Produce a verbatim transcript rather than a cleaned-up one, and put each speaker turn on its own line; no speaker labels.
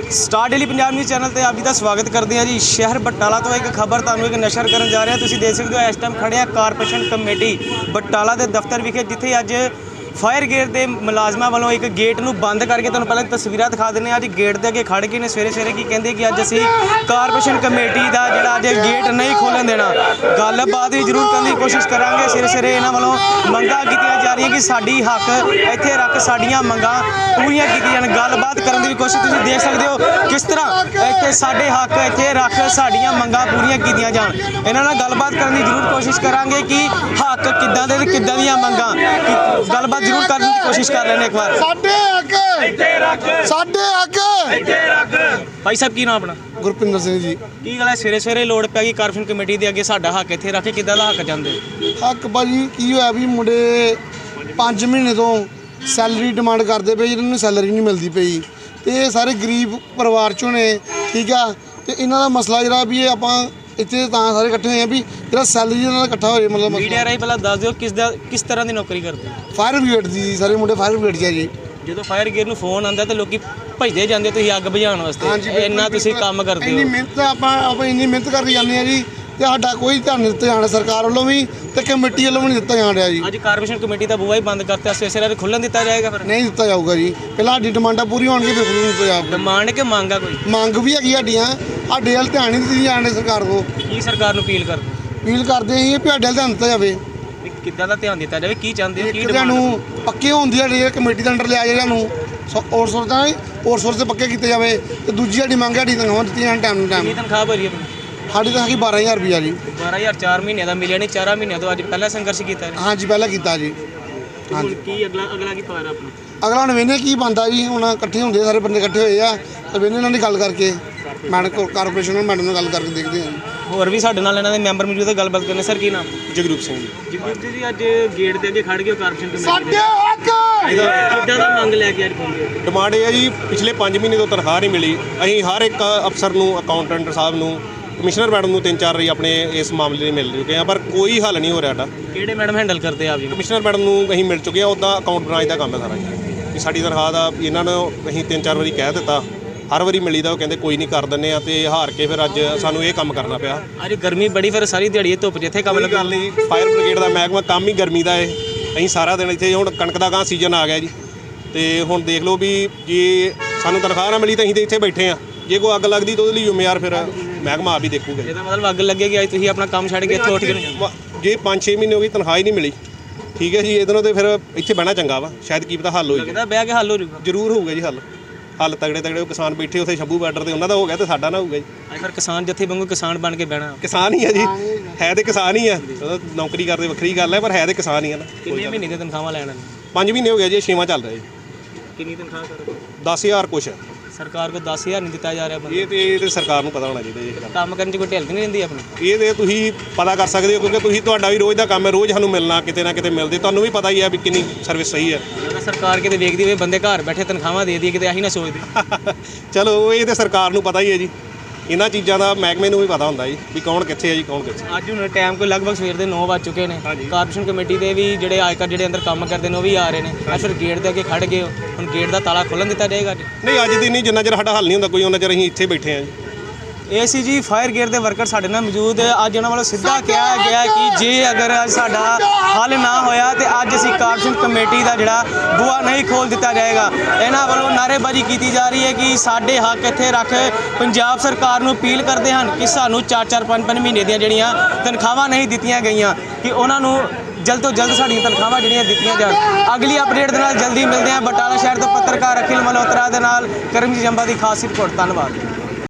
Star daily Punjab news channel पर आप जी का स्वागत करते हैं जी। शहर बटाला तो एक खबर तुहानूं एक नशर करन जा रहे हैं। तुसीं देख सकते हो इस टाइम खड़े हैं कारपोरेशन कमेटी बटाला के दफ्तर विखे, जिथे अज फायर गेट के मुलाजमान वालों एक गेट नूं बंद करके तुहानूं पहले तस्वीरां दिखा देने। अज गेट के अगे खड़ के ने सवेरे सवेरे की कहते कि अज असीं कारपोरेशन कमेटी का जिहड़ा अज गेट नहीं खोलन देना। गलबात भी जरूर करने की कोशिश करांगे। सवेरे सवेरे इन्हां वालों मंगां कीतियां जा रही कि साडी हक इत्थे रख, साडियां मंगां पूरीआं कीतियां जाण। गलबात करन दी कोशिश तुसीं देख सकते हो किस तरह इत्थे साडे हक इत्थे रख, साडियां मंगां पूरीआं कीतियां जाण। इन्हां नाल गलबात करन दी जरूर कोशिश करांगे कि हक किद्दां दे ते किद्दां दीयां मंगां, गलबात जरूर करने की कोशिश कर लेने एक बार।
साडे हक इत्थे रख, साडे हक इत्थे रख।
भाई साहब की नाम अपना?
गुरपिंदर सिंह जी।
की गल है सवेरे सवेरे लोड़ पै गई कारपोरेशन कमेटी के अगे साडा हक इत्थे रख के किद्दां दा हक चाहुंदे?
हक भाजी की होया भी मुंडे पाँच महीने तो सैलरी डिमांड करते पे, जिन्होंने सैलरी नहीं मिलती पई ते सारे गरीब परिवार चों ने, ठीक है। तो इन्हां दा मसला जिहड़ा भी आपां इत्थे तां सारे इकट्ठे होए भी जिहड़ा सैलरी इन्हां दा इकट्ठा होए, मतलब
मीडिया राही पहला दस दिओ किस दा किस तरह की नौकरी करदे?
फायर ब्रिगेड दी, सारे मुंडे फायर ब्रिगेड च जी।
ਜਦੋਂ फायर गेट ਨੂੰ ਫੋਨ ਆਉਂਦਾ ਤੇ ਲੋਕੀ ਭਜਦੇ ਜਾਂਦੇ ਤੁਸੀਂ ਅੱਗ ਬੁਝਾਉਣ ਵਾਸਤੇ। ਇੰਨਾ ਤੁਸੀਂ ਕੰਮ ਕਰਦੇ ਹੋ।
ਇੰਨੀ ਮਿਹਨਤ ਆਪਾਂ ਆਪਾਂ ਇੰਨੀ ਮਿਹਨਤ ਕਰੀ ਜਾਂਦੇ ਆ ਜੀ, ਤੇ ਸਾਡਾ ਕੋਈ ਧਿਆਨ ਨਹੀਂ ਦਿੱਤਾ ਜਾਣਾ ਸਰਕਾਰ ਵੱਲੋਂ ਵੀ ਤੇ ਕਮੇਟੀ ਵੱਲੋਂ ਵੀ ਨਹੀਂ ਦਿੱਤਾ ਜਾ ਰਿਹਾ ਜੀ।
ਅੱਜ ਕਾਰਪੋਰੇਸ਼ਨ ਕਮੇਟੀ ਦਾ ਬੂਹਾ ਹੀ ਬੰਦ ਕਰਤਾ, ਸਵੇਰੇ ਸਵੇਰੇ ਖੁੱਲ੍ਹਣ ਦਿੱਤਾ ਜਾਏਗਾ? ਫਿਰ
ਨਹੀਂ ਦਿੱਤਾ ਜਾਊਗਾ ਜੀ। ਪਹਿਲਾਂ ਸਾਡੀ ਡਿਮਾਂਡਾਂ ਪੂਰੀਆਂ ਹੋਣਗੀਆਂ ਫਿਰ ਖੁੱਲ੍ਹਣ ਦਿੱਤਾ ਜਾਊਗਾ।
ਡਿਮਾਂਡ ਕਿ ਮੰਗ ਆ ਕੋਈ?
ਮੰਗ ਵੀ ਹੈਗੀ ਸਾਡੀਆਂ, ਸਾਡੇ ਵੱਲ ਧਿਆਨ ਨਹੀਂ ਦਿੱਤੀ ਜਾਣ ਸਰਕਾਰ ਕੋਲ।
ਕੀ ਸਰਕਾਰ ਨੂੰ ਅਪੀਲ ਕਰਦੇ?
ਅਪੀਲ ਕਰਦੇ ਅਸੀਂ ਵੀ ਸਾਡੇ ਵੱਲ ਧਿਆਨ ਦਿੱਤਾ ਜਾਵੇ।
ਕਿੱਦਾਂ ਦਾ ਧਿਆਨ ਦਿੱਤਾ ਜਾਵੇ? ਕੀ ਚਾਹੁੰਦੇ ਹੋ? ਕੀ
ਡਿਮਾਂਡ ਨੂੰ ਪੱਕੇ ਹੋਣ ਦੀ ਸਾਡੀ ਕਮੇਟੀ ਦੇ ਅੰਡਰ ਲਿਆ ਜਾਏ, ਸਾਨੂੰ ਆਊਟਸੋਰਸ ਦਾ ਆਊਟਸੋਰਸ ਤੇ ਪੱਕੇ ਕੀਤੇ ਜਾਵੇ। ਤੇ ਦੂਜੀ ਸਾਡੀ ਮੰਗ ਸਾਡੀ ਤਨਖਾਹਾਂ ਦਿੱਤੀ ਜਾਣ ਟਾਈਮ ਨੂੰ ਟਾਈਮ।
ਕੀ ਤਨਖਾਹ ਭਰੀ ਆਪਣੀ?
ਸਾਡੀ ਤਾਂ ਹੈਗੀ ਬਾਰਾਂ ਹਜ਼ਾਰ ਰੁਪਈਆ ਜੀ।
ਬਾਰਾਂ ਹਜ਼ਾਰ ਚਾਰ ਮਹੀਨਿਆਂ ਦਾ ਮਿਲਿਆ ਨਹੀਂ, ਚਾਰਾਂ ਮਹੀਨਿਆਂ ਤੋਂ ਅੱਜ ਪਹਿਲਾ ਸੰਘਰਸ਼ ਕੀਤਾ?
ਹਾਂਜੀ ਪਹਿਲਾਂ ਕੀਤਾ ਜੀ।
ਹਾਂਜੀ ਕੀ ਅਗਲਾ ਅਗਲਾ ਕੀ ਪਾਰ ਆਪਣਾ?
ਅਗਲਾ ਹੁਣ ਵੇਖਦੇ ਕੀ ਬਣਦਾ ਜੀ। ਹੁਣ ਇਕੱਠੇ ਹੁੰਦੇ ਸਾਰੇ ਬੰਦੇ ਇਕੱਠੇ ਹੋਏ ਆ ਤੇ ਵੇਖਦੇ ਇਹਨਾਂ ਦੀ ਗੱਲ ਕਰਕੇ ਮੈਡਮ ਕਾਰਪੋਰੇਸ਼ਨ ਨਾਲ ਮੈਡਮ ਨਾਲ ਗੱਲ ਕਰਕੇ ਦੇਖਦੇ ਹਾਂ।
ਹੋਰ ਵੀ ਸਾਡੇ ਨਾਲ ਇਹਨਾਂ ਦੇ ਮੈਂਬਰ ਮੌਜੂਦ ਹੈ, ਗੱਲਬਾਤ ਕਰਨੇ। ਸਰ ਕੀ ਨਾਮ?
ਜਗਰੂਪ ਸਿੰਘ ਜੀ।
ਜਗਰੂਪ ਜੀ ਅੱਜ ਗੇਟ ਦੇ ਅੱਗੇ ਖੜ ਗਏ ਕਾਰਪੋਰੇਸ਼ਨ ਕਮੇਟੀ
ਸਾਡੇ ਹੱਕ
ਕਿੱਦਾਂ ਦਾ ਮੰਗ ਲੈ ਕੇ ਅੱਜ ਪਹੁੰਚੇ?
ਡਿਮਾਂਡ ਇਹ ਹੈ ਜੀ, ਪਿਛਲੇ ਪੰਜ ਮਹੀਨੇ ਤੋਂ ਤਨਖਾਹ ਨਹੀਂ ਮਿਲੀ। ਅਸੀਂ ਹਰ ਇੱਕ ਅਫਸਰ ਨੂੰ, ਅਕਾਊਂਟੈਂਟ ਸਾਹਿਬ ਨੂੰ, ਕਮਿਸ਼ਨਰ ਮੈਡਮ ਨੂੰ ਤਿੰਨ ਚਾਰ ਵਾਰੀ ਆਪਣੇ ਇਸ ਮਾਮਲੇ ਲਈ ਮਿਲ ਚੁੱਕੇ ਹਾਂ, ਪਰ ਕੋਈ ਹੱਲ ਨਹੀਂ ਹੋ ਰਿਹਾ ਸਾਡਾ।
ਕਿਹੜੇ ਮੈਡਮ ਹੈਂਡਲ ਕਰਦੇ ਆਪ ਜੀ?
ਕਮਿਸ਼ਨਰ ਮੈਡਮ ਨੂੰ ਅਸੀਂ ਮਿਲ ਚੁੱਕੇ ਹਾਂ। ਉੱਦਾਂ ਅਕਾਊਂਟ ਬ੍ਰਾਂਚ ਦਾ ਕੰਮ ਹੈ ਸਾਰਾ ਜੀ, ਕਿ ਸਾਡੀ ਤਨਖਾਹ ਦਾ ਇਹਨਾਂ ਨੂੰ ਅਸੀਂ ਤਿੰਨ ਚਾਰ ਵਾਰੀ ਕਹਿ ਦਿੱਤਾ, ਹਰ ਵਾਰੀ ਮਿਲੀ ਦਾ ਉਹ ਕਹਿੰਦੇ ਕੋਈ ਨਹੀਂ ਕਰ ਦਿੰਦੇ ਆ, ਤੇ ਹਾਰ ਕੇ ਫਿਰ ਅੱਜ ਸਾਨੂੰ ਇਹ ਕੰਮ ਕਰਨਾ ਪਿਆ।
ਅੱਜ ਗਰਮੀ ਬੜੀ, ਫਿਰ ਸਾਰੀ ਦਿਹਾੜੀ ਧੁੱਪ ਜਿੱਥੇ ਕੰਮ
ਗੱਲ ਨਹੀਂ, ਫਾਇਰ ਬ੍ਰਿਗੇਡ ਦਾ ਮਹਿਕਮਾ ਕੰਮ ਹੀ ਗਰਮੀ ਦਾ ਹੈ। ਅਸੀਂ ਸਾਰਾ ਦਿਨ ਇੱਥੇ, ਹੁਣ ਕਣਕ ਦਾ ਗਾਂ ਸੀਜ਼ਨ ਆ ਗਿਆ ਜੀ, ਤੇ ਹੁਣ ਦੇਖ ਲਓ ਵੀ ਜੇ ਸਾਨੂੰ ਤਨਖਾਹ ਨਾ ਮਿਲੀ ਤਾਂ ਅਸੀਂ ਤਾਂ ਇੱਥੇ ਬੈਠੇ ਆ। ਜੇ ਕੋਈ ਅੱਗ ਲੱਗਦੀ ਤਾਂ ਉਹਦੇ ਲਈ ਜ਼ਿੰਮੇਵਾਰ ਫਿਰ ਮਹਿਕਮਾ ਆਪ ਹੀ ਦੇਖੂਗਾ।
ਇਹਦਾ ਮਤਲਬ ਅੱਗ ਲੱਗੇਗੀ ਅੱਜ ਤੁਸੀਂ ਆਪਣਾ ਕੰਮ ਛੱਡ ਕੇ ਇੱਥੇ ਉੱਠ ਕੇ?
ਜੇ ਪੰਜ ਛੇ ਮਹੀਨੇ ਹੋ ਗਏ ਤਨਖਾਹ ਹੀ ਨਹੀਂ ਮਿਲੀ, ਠੀਕ ਹੈ ਜੀ, ਇਹਦੇ ਨਾਲ ਤਾਂ ਫਿਰ ਇੱਥੇ ਬਹਿਣਾ ਚੰਗਾ ਵਾ। ਸ਼ਾਇਦ ਕੀ ਪਤਾ ਹੱਲ ਹੋ ਜਾਵੇ।
ਬਹਿ ਕੇ ਹੱਲ ਹੋ ਜਾਊਗਾ?
ਜ਼ਰੂਰ ਹੋਊਗਾ ਜੀ ਹੱਲ। ਹੱਲ ਤਗੜੇ ਤਗੜੇ ਕਿਸਾਨ ਬੈਠੇ ਉੱਥੇ ਸ਼ੰਭੂ ਬਾਰਡਰ ਤੇ, ਉਹਨਾਂ ਦਾ ਹੋ ਗਿਆ ਤੇ ਸਾਡਾ ਨਾ ਹੋਊਗਾ ਜੀ।
ਅੱਜ ਫਿਰ ਕਿਸਾਨ ਜੱਥੇ ਵਾਂਗੂ ਕਿਸਾਨ ਬਣ ਕੇ ਬਹਿਣਾ?
ਕਿਸਾਨ ਹੀ ਆ ਜੀ, ਹੈ ਤੇ ਕਿਸਾਨ ਹੀ ਆ। ਨੌਕਰੀ ਕਰਦੇ ਵੱਖਰੀ ਗੱਲ ਹੈ, ਪਰ ਹੈ ਤੇ ਕਿਸਾਨ ਹੀ ਆ ਨਾ।
ਕਿੰਨੇ ਮਹੀਨੇ ਦੀ ਤਨਖਾਹਾਂ ਲੈਣ?
ਪੰਜ ਮਹੀਨੇ ਹੋ ਗਏ ਜੀ, ਛੇਵਾਂ ਚੱਲ ਰਿਹਾ ਜੀ।
ਕਿੰਨੀ ਤਨਖਾਹ ਕਰ?
ਦਸ ਹਜ਼ਾਰ ਕੁਛ ਹੈ।
ਸਰਕਾਰ ਕੋਲ ਦਸ ਹਜ਼ਾਰ ਨਹੀਂ ਦਿੱਤਾ ਜਾ ਰਿਹਾ ਬੰਦੇ?
ਇਹ ਤੇ ਇਹ ਤੇ ਸਰਕਾਰ ਨੂੰ ਪਤਾ ਹੋਣਾ ਚਾਹੀਦਾ ਜੀ।
ਕੰਮ ਕਰਨ 'ਚ ਕੋਈ ਢਿੱਲ ਨਹੀਂ ਰਹਿੰਦੀ ਆਪਣੀ?
ਇਹ ਤੇ ਤੁਸੀਂ ਪਤਾ ਕਰ ਸਕਦੇ ਹੋ, ਕਿਉਂਕਿ ਤੁਸੀਂ ਤੁਹਾਡਾ ਵੀ ਰੋਜ਼ ਦਾ ਕੰਮ ਹੈ, ਰੋਜ਼ ਸਾਨੂੰ ਮਿਲਣਾ ਕਿਤੇ ਨਾ ਕਿਤੇ ਮਿਲਦੇ, ਤੁਹਾਨੂੰ ਵੀ ਪਤਾ ਹੀ ਹੈ ਵੀ ਕਿੰਨੀ ਸਰਵਿਸ ਸਹੀ ਹੈ।
ਸਰਕਾਰ ਕਿਤੇ ਵੇਖਦੀ ਹੋਵੇ ਬੰਦੇ ਘਰ ਬੈਠੇ ਤਨਖਾਹਾਂ ਦੇ ਦੀ, ਕਿਤੇ ਆਹੀ ਨਾ ਸੋਚਦੇ।
ਚਲੋ ਇਹ ਤੇ ਸਰਕਾਰ ਨੂੰ ਪਤਾ ਹੀ ਹੈ ਜੀ, ਇਹਨਾਂ ਚੀਜ਼ਾਂ ਦਾ ਮਹਿਕਮੇ ਨੂੰ ਵੀ ਪਤਾ ਹੁੰਦਾ ਜੀ ਵੀ ਕੌਣ ਕਿੱਥੇ ਹੈ ਜੀ, ਕੌਣ ਕਿੱਥੇ।
ਅੱਜ ਹੁਣ ਟਾਈਮ ਕੋਈ ਲਗਭਗ ਸਵੇਰ ਦੇ ਨੌ ਵੱਜ ਚੁੱਕੇ ਨੇ। ਕਾਰਪੋਰੇਸ਼ਨ ਕਮੇਟੀ ਦੇ ਵੀ ਜਿਹੜੇ ਆਇਕਰ ਜਿਹੜੇ ਅੰਦਰ ਕੰਮ ਕਰਦੇ ਨੇ ਉਹ ਵੀ ਆ ਰਹੇ ਨੇ। ਅੱਜ ਫਿਰ ਗੇਟ ਦੇ ਅੱਗੇ ਖੜ ਗਏ ਹੋ, ਹੁਣ ਗੇਟ ਦਾ ਤਾਲਾ ਖੋਲ੍ਹਣ ਦਿੱਤਾ ਜਾਏਗਾ? ਅੱਜ
ਨਹੀਂ, ਅੱਜ ਦੀ ਨਹੀਂ, ਜਿੰਨਾ ਚਿਰ ਸਾਡਾ ਹੱਲ ਨਹੀਂ ਹੁੰਦਾ ਕੋਈ, ਉਹਨਾਂ ਚਿਰ ਅਸੀਂ ਇੱਥੇ ਬੈਠੇ ਹਾਂ ਜੀ।
ਇਹ ਸੀ ਜੀ ਫਾਇਰ ਗੇਟ ਦੇ ਵਰਕਰ ਸਾਡੇ ਨਾਲ ਮੌਜੂਦ। ਅੱਜ ਉਹਨਾਂ ਵੱਲੋਂ ਸਿੱਧਾ ਕਿਹਾ ਗਿਆ ਕਿ ਜੇ ਅਗਰ ਅੱਜ ਸਾਡਾ ਹੱਲ ਨਾ ਹੋਇਆ ਤੇ ਅੱਜ ਅਸੀਂ ਕਾਰਪੋਰੇਸ਼ਨ ਕਮੇਟੀ ਦਾ ਜਿਹੜਾ ਬੂਹਾ ਨਹੀਂ ਖੋਲ੍ਹ ਦਿੱਤਾ ਜਾਏਗਾ। ਇਹਨਾਂ ਵੱਲੋਂ ਨਾਅਰੇਬਾਜ਼ੀ ਕੀਤੀ ਜਾ ਰਹੀ ਹੈ ਕਿ ਸਾਡੇ ਹੱਕ ਇੱਥੇ ਰੱਖ। ਪੰਜਾਬ ਸਰਕਾਰ ਨੂੰ ਅਪੀਲ ਕਰਦੇ ਹਨ ਕਿ ਸਾਨੂੰ ਚਾਰ ਚਾਰ ਪੰਜ ਪੰਜ ਮਹੀਨੇ ਦੀਆਂ ਜਿਹੜੀਆਂ ਤਨਖਾਹਾਂ ਨਹੀਂ ਦਿੱਤੀਆਂ ਗਈਆਂ, ਕਿ ਉਹਨਾਂ ਨੂੰ ਜਲਦ ਤੋਂ ਜਲਦ ਸਾਡੀਆਂ ਤਨਖਾਹਾਂ ਜਿਹੜੀਆਂ ਦਿੱਤੀਆਂ ਜਾਣ। ਅਗਲੀ ਅਪਡੇਟ ਦੇ ਨਾਲ ਜਲਦੀ ਮਿਲਦੇ ਹਾਂ। ਬਟਾਲਾ ਸ਼ਹਿਰ ਤੋਂ ਪੱਤਰਕਾਰ ਅਖਿਲ ਮਲਹੋਤਰਾ ਦੇ ਨਾਲ ਕਰਮਜੀਤ ਜੰਬਾ ਦੀ ਖਾਸ ਰਿਪੋਰਟ। ਧੰਨਵਾਦ।